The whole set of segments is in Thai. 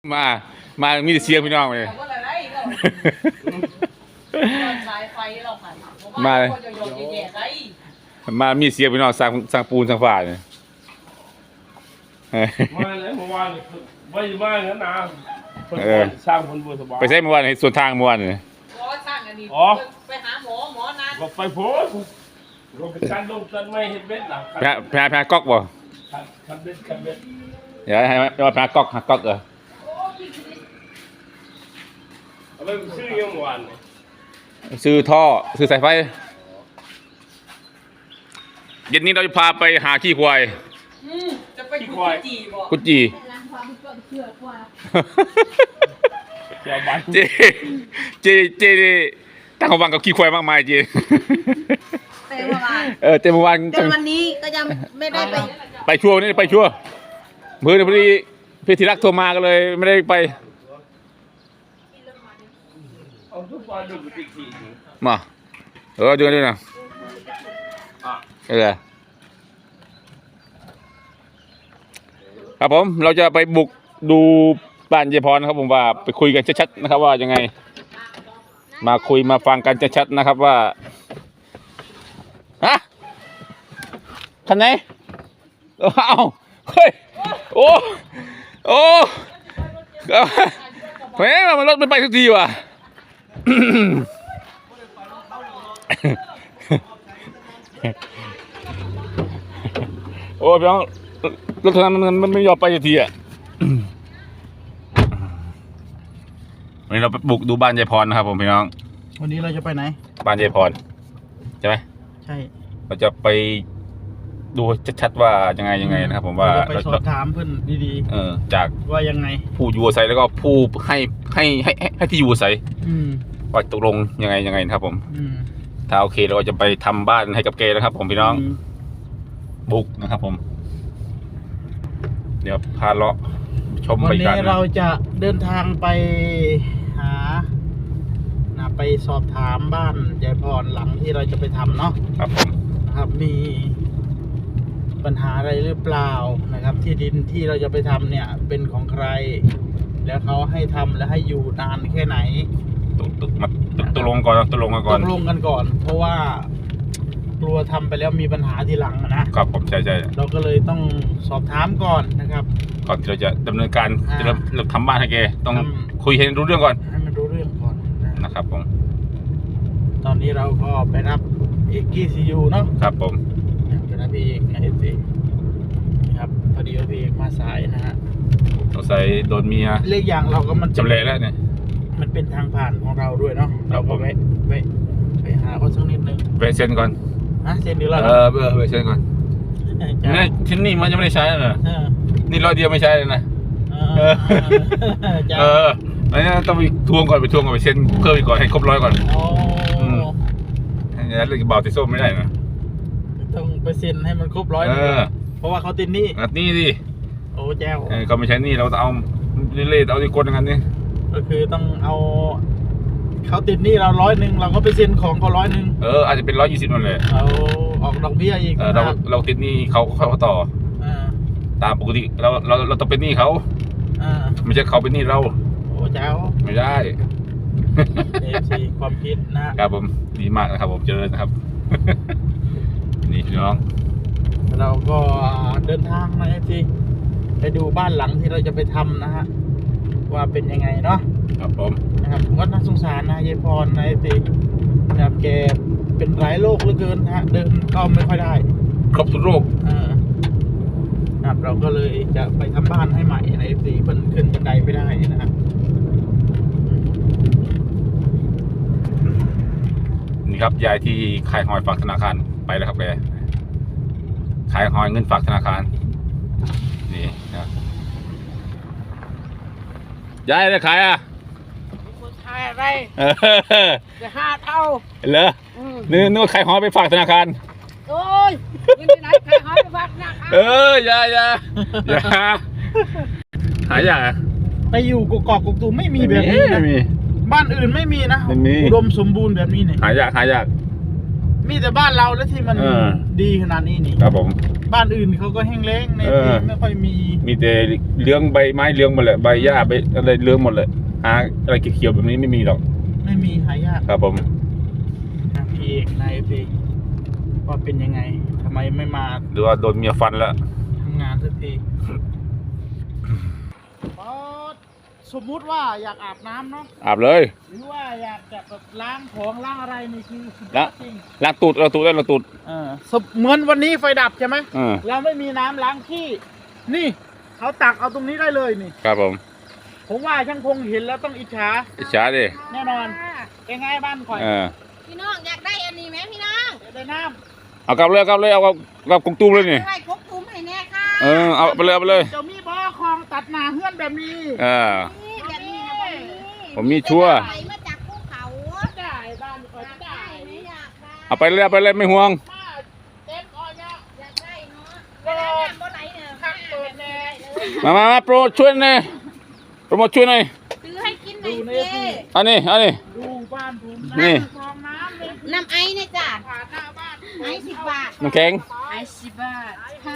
มามีแต่เสียงพี่น้องเลยมามีเสียงพี่น้องสร้างปูนสร้างฝาเนี่ยมาเลยเมื่อวานไม่มางั้นนะสร้างคนบัวสบายไปใช้เมื่อวานในส่วนทางเมื่อวานเนี่ยไปหาหมอนัดไปโพสลงไปชั้นลงชั้นไม่เห็นเบ็ดหลังแพ้ก๊อกบ่คันเบ็ดเดี๋ยวให้ว่าแพ้ก๊อกเอาไปซื้อยังเมื่อวานซื้อท่อซื้อสายไฟเย็นนี้เราจะพาไปหาขี้ควายจะไปกุจีบ่กุจีเจตั้งความหวังกับขี้ควายมากมายเจเมื่อวานเต็มวันจนวันนี้ก็ยังไม่ได้ไปชั่วนี่ไปชั่วเมื่อพอดีพี่ธีรักโทรมากันเลยไม่ได้ไปมาดูกันด้วยนะครับผมเราจะไปบุกดูบ้านเยพรนะครับผมว่าไปคุยกันชัดๆนะครับว่ายังไงมาคุยมาฟังกันชัดๆนะครับว่าฮะคันไหนเอาเฮ้ยโอ้แหมมันรถไม่ไปทุกทีว่ะโอ้พี่น้องรถทางนั้นมันไม่ยอมไปสักทีอ่ะวันนี้เราไปบุกดูบ้านยายพรนะครับผมพี่น้องวันนี้เราจะไปไหนบ้านยายพรใช่ไหมใช่เราจะไปดูชัดๆว่ายังไงนะครับผมว่าไปสอบถามเพื่อนดีๆจากว่ายังไงผู้อยู่อาศัยแล้วก็ผู้ให้ที่อยู่อาศัยว่าตกลงยังไงนะครับผมถ้าโอเคเราก็จะไปทำบ้านให้กับเกนะครับผมพี่น้องบุกนะครับผมเดี๋ยวพาเลาะชมบรรยากาศวันนี้เราจะเดินทางไปหาไปสอบถามบ้านยายพรหลังที่เราจะไปทำเนาะครับผมนะครับมีปัญหาอะไรหรือเปล่านะครับที่ดินที่เราจะไปทำเนี่ยเป็นของใครแล้วเขาให้ทำและให้อยู่นานแค่ไหนตกลงกันก่อนเพราะว่ากลัวทำไปแล้วมีปัญหาทีหลังนะครับผมใช่เราก็เลยต้องสอบถามก่อนนะครับก่อนที่เราจะดำเนินการจะเริ่มทำบ้านให้แกต้องคุยให้รู้เรื่องก่อนให้มันรู้เรื่องก่อนนะครับผมตอนนี้เราก็ไปรับเอกกี้ซียูเนาะครับผมไปรับพี่เอกนะเอนะครับพอดีว่าพี่เอกมาสายนะฮะต้องใส่โดนเมียเรื่องอย่างเราก็มันจำเลยแล้วเนี่ยมันเป็นทางผ่านของเราด้วยเนาะเราก็ไปหาเขาสักนิดนึงไปเซ็นก่อนเซ็นดีแล้วไปเซ็นก่อนนี่ที่นี่มันยังไม่ได้ใช้เลยนี่ร้อยเดียวไม่ใช้เลยนะอันนี้ต้องไปทวงก่อนไปเซ็นเพิ่มอีกก่อนให้ครบ100ก่อนอันนี้เรื่องเบาติดส้มไม่ได้นะต้องไปเซ็นให้มันครบ100เพราะว่าเขาติดหนี้นี่ดิโอ้แจ้วเขาไม่ใช้หนี้เราเอาเล่เอาที่กดอย่างนั้นนี่ก็คือต้องเอาเขาติดหนี้เรา100เราก็ไปเซ็นของเขา100 อาจจะเป็น120นั่นแหละเอาออกดอกเบี้ยอีกเราติดหนี้เขาต่อตามปกติเราต้องเป็นหนี้เขาไม่ใช่เขาเป็นหนี้เราโอ้เจ้าไม่ได้ความคิดนะครับผมดีมากนะครับผมเจริญนะครับนี่พี่น้องเราก็เดินทางมาไปดูบ้านหลังที่เราจะไปทำนะฮะว่าเป็นยังไงเนาะครับผมนะครับก็น่าสงสารนะยายพรนะนะครับแกเป็นหลายโรคเหลือเกินนะฮะเดินก็ไม่ค่อยได้ครบทุกโรคนะครับเราก็เลยจะไปทำบ้านให้ใหม่ในเพิ่นขึ้นบันไดไม่ได้นะฮะนี่ครับยายที่ขายหอยฝากธนาคารไปแล้วครับแกขายหอยเงินฝากธนาคารนี่นะยายได้ขายขายอะไรจะ5 เท่าเหรอนึกว่าขายหอยไปฝากธนาคารโอ้ยยังไงขายหอยไปฝากธนาคารอย่าหายากไปอยู่กกอกตูมไม่มีแบบนี้นะบ้านอื่นไม่มีนะอุดมสมบูรณ์แบบนี้เนี่ยหายากไมีแต่บ้านเราแล้วที่มันเออดีขนาดนี้นี่ครับผมบ้านอื่นเขาก็แห้งแล้งในเออไม่ค่อยมีมีแต่เลี้ยงใบไม้เลี้ยงหมดเลยใบหญ้าใบอะไรเลี้ยงหมดเลยหาอะไรเขียวๆแบบนี้ไม่มีหรอกไม่มีหายากครับผมพี่เอกนายพี่ว่าเป็นยังไงทำไมไม่มาหรือว่าโดนเมียฟันแล้วทำงานสักทีสมมุติว่าอยากอาบน้ำเนาะอาบเลยหรือว่าอยากจะแบบล้างของล้างอะไรนี่คือสุดยล้าอง ดจริงล้างตูดได้ล้างตูดเหมือนวันนี้ไฟดับใช่ไหมเออเราไม่มีน้ำล้างขี้นี่เขาตักเอาตรงนี้ได้เลยนี่ครับผมผมว่าช่างคงเห็นแล้วต้องอิจฉาอิจฉาดิแน่นอนเป็นไงบ้านข่อยเออพี่น้องอยากได้อันนี้ไหมพี่น้องอยากได้น้เอากลับเลยเอากับกุ้งตุ้มเลยนี่ไว้ครบคุ้มให้แน่ค่ะเออเอาไปเลยำจะมีบ่อคลองตัดหนาเฮือนแบบนี้เออนี่แบบนี้นะแบบนี้ผมมีชัวร์ไหลมาจากภูเขาได้บ้านข่อยอยากได้ได้ไหมอยากได้เอาไปเลยไม่ห่วงมาเต็มอ้อยเนี่ยอยากได้เนาะเวลาน้ำบ่ไหลเนี่ยข้างเปิดแน่มาโปรช่วยหน่อยโปรโมทช่วยหน่อยซื้อให้กินหน่อยสิอันนี้ดูบ้านผมนี่คลองน้ำเลยน้ำไอเนี่ยจ้ะผ่านหน้าบ้านไอ10 บาทน้ำแข็งไอ10 บาทค่ะ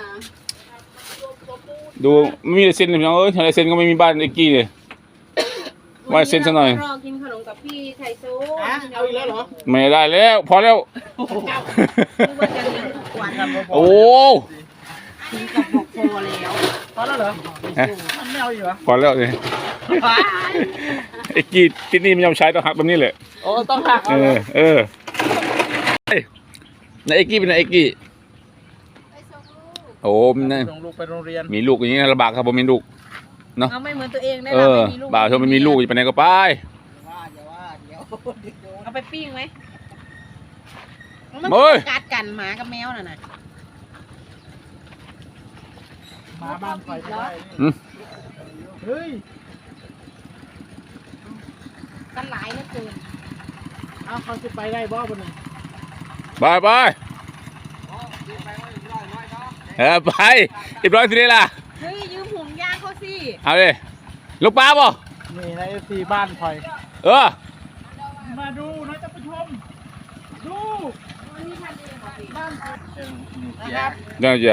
ดูไม่มีลายเซ็นเลยพี่น้องเอ้ยลายเซ็นก็ไม่มีบ้านไอ้กี้เลยว่าเซ็นซะหน่อยรอกินขนมกับพี่ไข่ซุอ่ะเอาอีกแล้วเหรอไม่ได้แล้วพอแล้วนึกว่าจะเลี้ยงทุกวันโอ้กินกับบอกโคแล้วพอแล้วเหรอฮะมันไม่เอาอีกเหรอพอแล้วเลยไอ้กี้ที่นี่มันยอมใช้ต้องหักแบบนี้แหละโอ้ต้องหักเอเอาเหรออเออเฮ้ยนายไอ้กี้เป็นนายไอ้กี้ไปส่งลูกโอ้มันนะส่งลูกไปโรงเรียนมีลูกอย่างนี้ลำบากครับผมมีลูกเอาไม่เหมือนตัวเองได้เอหรอไม่มีลูกบ่าวชมมันมีลูกจะไปไหนก็ไปเอาไปปิ้งไหมมันเฮ้ยกัดกันหมากับแมวน่ะนะมาบ้านข่อยก็ได้อืมเฮ้ยกันหลายเหลือเกินเอาเขาจะไปได้บ่บนนี้ไปเออไปเรียบร้อยทีนี้ล่ะเฮ้ยยืมห่วงยางเขาสิเอาดิลูกปลาป่ะนี่ในเอฟซีบ้านข่อยเออมาดูนะท่านผู้ชม ดูบ้านข่อยนะครับเดี๋ยวจะ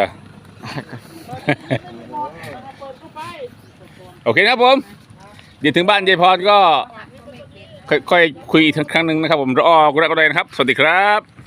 เปิดเข้าไปโอเคนะครับผม เดี๋ยวถึงบ้านยายพรก็ค่อยคุยอีกครั้งหนึ่งนะครับผมรอกูรักก็ได้นะครับ สวัสดีครับ